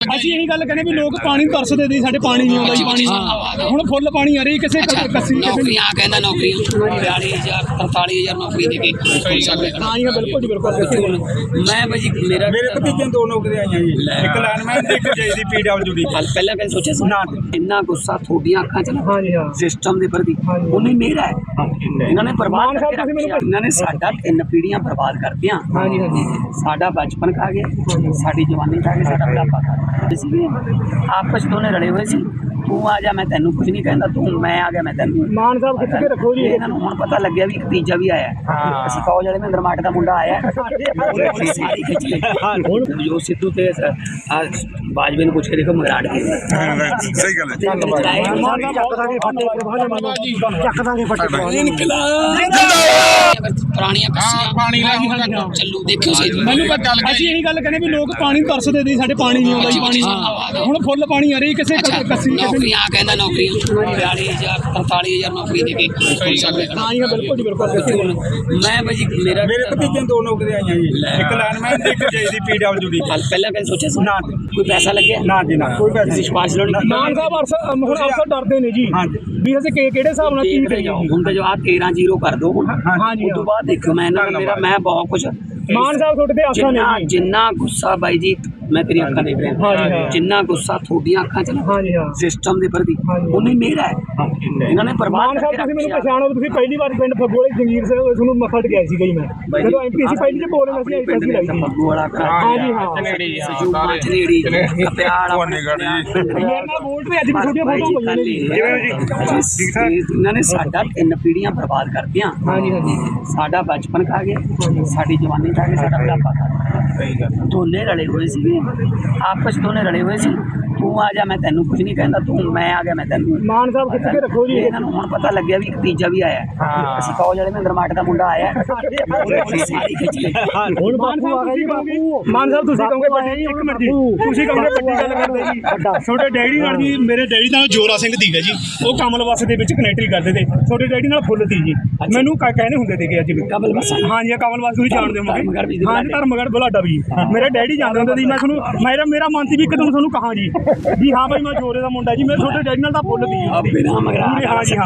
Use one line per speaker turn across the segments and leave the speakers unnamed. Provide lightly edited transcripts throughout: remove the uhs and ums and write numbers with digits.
ਅਸੀਂ ਇਹੀ ਗੱਲ ਕਹਿੰਦੇ ਵੀ ਲੋਕ ਪਾਣੀ ਤਰਸਦੇ ਨੇ, ਸਾਡੇ ਪਾਣੀ ਨਹੀਂ ਆਉਂਦਾ ਜੀ। ਪਾਣੀ ਹੁਣ ਫੁੱਲ ਪਾਣੀ ਆ ਰਹੀ ਕਿਸੇ ਕੱਸੀ
ਨੌਕਰੀਆਂ ਕਹਿੰਦਾ ਨੌਕਰੀਆਂ 42,000 43,000 ਨੌਕਰੀ ਦੇ ਕੇ
ਹਾਂ ਜੀ ਬਿਲਕੁਲ ਜੀ ਬਿਲਕੁਲ।
ਮੈਂ ਭਾਜੀ ਮੇਰੇ
ਭਤੀਜੇ ਦੋ ਨੌਕਰੀਆਂ ਆਈਆਂ ਜੀ, ਇੱਕ ਲਾਈਨਮੈਨ ਤੇ ਇੱਕ ਜੇਈ PWD।
ਪਹਿਲਾਂ ਕਦੇ ਸੋਚਿਆ ਸੀ ਨਾ ਇੰਨਾ ਗੁੱਸਾ ਤੁਹਾਡੀਆਂ ਅੱਖਾਂ 'ਚ
ਹਾਂ ਜੀ ਹਾਂ
ਸਿਸਟਮ ਦੇ ਪ੍ਰਤੀ ਉਹਨੇ ਮੇਰਾ ਹੈ। ਇਹਨਾਂ ਨੇ ਬਰਬਾਦ ਕਰਕੇ ਰੱਖਿਆ, ਇਹਨਾਂ ਨੇ ਸਾਡਾ 3 ਪੀੜ੍ਹੀਆਂ ਬਰਬਾਦ ਕਰਤੀਆਂ।
ਹਾਂ ਜੀ ਹਾਂ ਜੀ।
ਸਾਡਾ ਬਚਪਨ ਖਾ ਗਏ, ਸਾਡੀ ਜਵਾਨੀ ਖਾ ਗਏ, ਸਾਡਾ ਬੁਢਾਪਾ ਖਾ ਗਏ। ਅਸੀਂ ਆਪਸ ਦੋਨੇ ਰਲੇ ਹੋਏ ਸੀ। ਤੂੰ ਆ ਜਾ ਮੈਂ ਤੈਨੂੰ ਕੁਝ ਨਹੀਂ ਕਹਿੰਦਾ, ਤੂੰ ਮੈਂ ਆ ਗਿਆ ਮੈਂ ਤੈਨੂੰ।
ਮਾਨ ਸਾਹਿਬ ਖਿੱਚ ਕੇ ਰੱਖੋ ਜੀ।
ਇਹਨਾਂ ਨੂੰ ਹੁਣ ਪਤਾ ਲੱਗਿਆ ਵੀ ਇੱਕ ਤੀਜਾ ਵੀ ਆਇਆ। ਅਸੀਂ ਫੌਜ ਵਾਲੇ ਮਹਿੰਦਰ ਮਾਟ ਦਾ ਮੁੰਡਾ ਆਇਆ, ਸਾਰੀ ਖਿੱਚ ਕੇ ਜੋ ਸਿੱਧੂ ਤੇ ਬਾਜਵੇ ਨੂੰ ਪੁੱਛ ਕੇ ਦੇਖੋ ਮਗਰਾੜ ਕੇ
ਸਹੀ ਗੱਲ ਹੈ।
ਪੁਰਾਣੀਆਂ ਕੱਸੀਆਂ ਚੱਲੂ ਦੇਖਿਓ ਸੀ।
ਮੈਨੂੰ ਪਤਾ ਅਸੀਂ ਇਹੀ ਗੱਲ ਕਹਿੰਦੇ ਵੀ ਲੋਕ ਪਾਣੀ ਤਰਸਦੇ ਨੇ, ਸਾਡੇ ਪਾਣੀ ਨਹੀਂ ਆਉਂਦਾ ਜੀ। ਪਾਣੀ ਹੁਣ ਫੁੱਲ ਪਾਣੀ ਆ ਰਹੀ ਕਿਸੇ ਕੱਸੀ
ਨੌਕਰੀਆਂ ਕਹਿੰਦਾ ਨੌਕਰੀਆਂ 42,000 43,000 ਨੌਕਰੀ ਦੇ ਕੇ
ਹਾਂ ਜੀ ਬਿਲਕੁਲ ਜੀ ਬਿਲਕੁਲ।
ਮੈਂ ਭਾਜੀ ਮੇਰੇ
ਭਤੀਜੇ ਦੋ ਨੌਕਰੀਆਂ ਆਈਆਂ ਜੀ, ਇੱਕ ਲਾਈਨਮੈਨ ਤੇ ਇੱਕ ਜੇਈ PWD।
ਪਹਿਲਾਂ ਕਦੇ ਸੋਚਿਆ ਸੀ
ਨਾ
ਕੋਈ ਪੈਸਾ ਲੱਗਿਆ
ਨਾ ਜੀ ਨਾ ਕੋਈ ਪੈਸੇ
ਤੁਸੀਂ ਸਿਫਾਰਿਸ਼ ਲਾਉਣੀ
ਮਾਨ ਸਾਹਿਬ ਹੁਣ ਅਫਸਰ ਡਰਦੇ ਨੇ ਜੀ ਵੀ ਅਸੀਂ ਕਿਹੜੇ ਹਿਸਾਬ ਨਾਲ ਕੀ ਕਰੀਏ।
ਹੁਣ ਤਾਂ ਜੋ ਆ 13-0 ਕਰ ਦੋ ਹੁਣ।
ਹਾਂ ਜੀ
ਉਸ ਤੋਂ ਬਾਅਦ ਦੇਖੋ ਮੈਂ ਇਹਨਾਂ ਦਾ ਮੈਂ ਬਹੁਤ ਕੁਝ
ਮਾਨ ਸਾਹਿਬ ਤੁਹਾਡੇ ਤੇ ਆਸਾਂ ਨੇ ਜੀ।
ਜਿੰਨਾ ਗੁੱਸਾ ਬਾਈ ਜੀ ਮੈਂ ਤੇਰੀ ਅੱਖਾਂ ਦੇਖ ਰਿਹਾ, ਜਿੰਨਾ ਗੁੱਸਾ ਤੁਹਾਡੀਆਂ ਅੱਖਾਂ 'ਚ
ਹਾਂ ਜੀ ਹਾਂ
ਸਿਸਟਮ ਦੇ ਪ੍ਰਤੀ ਉਹਨੇ ਮੇਰਾ ਹੈ। ਇਹਨਾਂ ਨੇ ਬਰਬਾਦ
ਮਾਨ ਸਾਹਿਬ ਤੁਸੀਂ ਮੈਨੂੰ ਪਛਾਣੋ, ਤੁਸੀਂ ਪਹਿਲੀ ਵਾਰ ਪਿੰਡ ਫਗੋਲੇ ਜੰਗੀਰ ਸਿੰਘ ਤੁਹਾਨੂੰ ਮੱਥਾ ਟਿਕਾਇਆ ਸੀ ਜੀ। ਮੈਂ ਜਦੋਂ MP ਸੀ ਪਹਿਲੀ ਤੇ ਬੋਲੇ ਅਸੀਂ ਆਈ ਸੀ ਲਾਈ ਸੀ।
ਫੱਗੂ ਵਾਲਾ
ਹਾਂ ਜੀ ਹਾਂ
ਸਜੂਮਾ ਚਲੇੜੀ ਕਪਿਆੜ
ਮੇਰੇ ਨਾਲ ਵੋਟ ਤੇ ਅੱਜ ਵੀ ਛੋਟੀਆਂ ਫੋਟੋਆਂ ਪਈਆਂ ਨੇ ਜੀ।
ਇਹਨਾਂ ਨੇ ਸਾਡਾ 3 ਪੀੜ੍ਹੀਆਂ ਬਰਬਾਦ ਕਰਤੀਆਂ।
ਹਾਂ ਜੀ ਹਾਂ ਜੀ।
ਸਾਡਾ ਬਚਪਨ ਖਾ ਗਏ, ਸਾਡੀ ਜਵਾਨੀ ਖਾ ਗਏ, ਸਾਡਾ ਬੁਢਾਪਾ ਖਾ ਗਏ। ਦੋਨੇ ਰਲੇ ਹੋਏ ਸੀਗੇ, ਆਪਸ ਦੋਨੇ ਰਲੇ ਹੋਏ ਸੀ। ਤੂੰ ਆ ਜਾ ਮੈਂ ਤੈਨੂੰ ਕੁਝ ਨਹੀਂ ਕਹਿੰਦਾ, ਤੂੰ ਮੈਂ ਆ ਗਿਆ ਮੈਂ ਤੈਨੂੰ।
ਮਾਨ ਸਾਹਿਬ ਖਿੱਚ ਕੇ ਰੱਖੋ ਜੀ।
ਇਹਨਾਂ ਨੂੰ ਹੁਣ ਪਤਾ ਲੱਗਿਆ ਵੀ ਇੱਕ ਤੀਜਾ ਵੀ ਆਇਆ। ਅਸੀਂ ਫੌਜ ਵਾਲੇ ਮਹਿੰਦਰ ਮਾਟ ਦਾ ਮੁੰਡਾ ਆਇਆ, ਸਾਰੀ ਖਿੱਚ ਕੇ
ਹੁਣ ਬਾਪੂ ਆ ਗਿਆ ਜੀ। ਬਾਪੂ ਮਾਨ ਸਾਹਿਬ ਤੁਸੀਂ ਕਹੋਗੇ ਵੱਡੀ, ਇੱਕ ਮਿੰਟ ਜੀ ਤੁਸੀਂ ਕਹੋਗੇ ਵੱਡੀ ਗੱਲ ਕਰਦੇ ਜੀ। ਛੋਟੇ ਡੈਡੀ ਨਾਲ ਜੀ, ਮੇਰੇ ਡੈਡੀ ਨਾਲ ਜੋਰਾ ਸਿੰਘ ਸੀਗਾ ਜੀ, ਉਹ ਕਮਲ ਬੱਸ ਦੇ ਵਿੱਚ ਕਨੈਕਟਰੀ ਕਰਦੇ ਤੇ। ਛੋਟੇ ਡੈਡੀ ਨਾਲ ਫੁੱਲ ਸੀ ਜੀ, ਮੈਨੂੰ ਕਹਿੰਦੇ ਹੁੰਦੇ ਸੀਗੇ ਅੱਜ ਵੀ
ਕਮਲ ਬੱਸ।
ਹਾਂ ਜੀ ਕਮਲ ਬੱਸ ਤੁਸੀਂ ਜਾਣਦੇ ਹੋਗੇ। ਹਾਂ ਜੀ ਧਰਮਗੜ੍ਹ ਬੁਲਾਡਾ ਵੀ ਮੇਰੇ ਡੈਡੀ ਜਾਂਦੇ ਹੁੰਦੇ ਸੀ। ਮੈਂ ਤੁਹਾਨੂੰ ਮੇਰਾ ਮਨ ਸੀ ਵੀ ਇੱਕ ਦਿਨ ਤੁਹਾਨੂੰ ਕਹਾਂ ਜੀ ਵੀ ਹਾਂ ਭਾਈ ਮੈਂ ਜੋਰੇ ਦਾ ਮੁੰਡਾ ਜੀ, ਮੇਰੇ ਛੋਟੇ ਡੈਡੀ ਨਾਲ ਤਾਂ ਫੁੱਲ ਸੀ। ਹਾਂ ਜੀ ਹਾਂ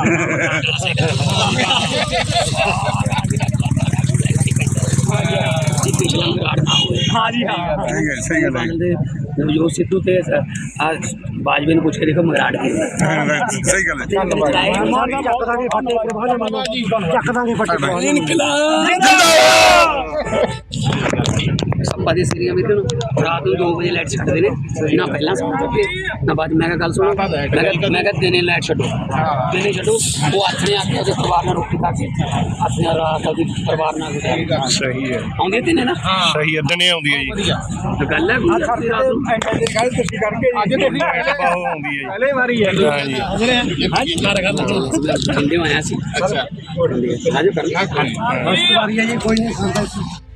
ਹਾਂ ਜੀ ਹਾਂ
ਸਹੀ ਗੱਲ ਹੈ।
ਜੋ ਸਿੱਧੂ ਤੇ ਬਾਜਵੇ ਨੂੰ ਪੁੱਛ ਕੇ ਦੇਖੋ ਮਗਰਾੜ ਕੇ
ਸਹੀ ਗੱਲ ਹੈ।
ਸੱਪਾ ਦੇ ਸੀਰੀਆਂ ਵਿੱਚ ਰਾਤ ਨੂੰ 2 ਵਜੇ ਲਾਈਟ ਛੱਡਦੇ ਨੇ, ਨਾ ਪਹਿਲਾਂ ਸੌਂ ਚੁੱਕੇ ਨਾ ਬਾਅਦ। ਮੈਂ ਕਿਹਾ ਗੱਲ ਸੁਣੋ, ਮੈਂ ਕਿਹਾ ਦਿਨੇ ਲਾਈਟ ਛੱਡੋ, ਦਿਨੇ ਛੱਡੋ। ਉਹ ਆਥਣੇ ਆ ਕੇ ਉਹਦੇ ਪਰਿਵਾਰ ਨਾਲ ਰੋਟੀ ਖਾ ਕੇ ਆਥਣੇ ਰਾਤ ਉਹਦੇ ਪਰਿਵਾਰ ਨਾਲ
ਸਹੀ ਹੈ,
ਆਉਂਦੇ ਦਿਨੇ ਨਾ
ਸਹੀ ਹੈ, ਦਿਨੇ ਆਉਂਦੀ ਹੈ ਜੀ।
ਗੱਲ ਹੈ ਰਾਤ ਨੂੰ
ਪਹਿਲੇ ਵਾਰੀ ਹੈ
ਆਇਆ ਸੀ। ਅੱਛਾ, ਆਜੋ ਕਰ
ਵਾਰੀ ਹੈ ਜੀ, ਕੋਈ ਨਹੀਂ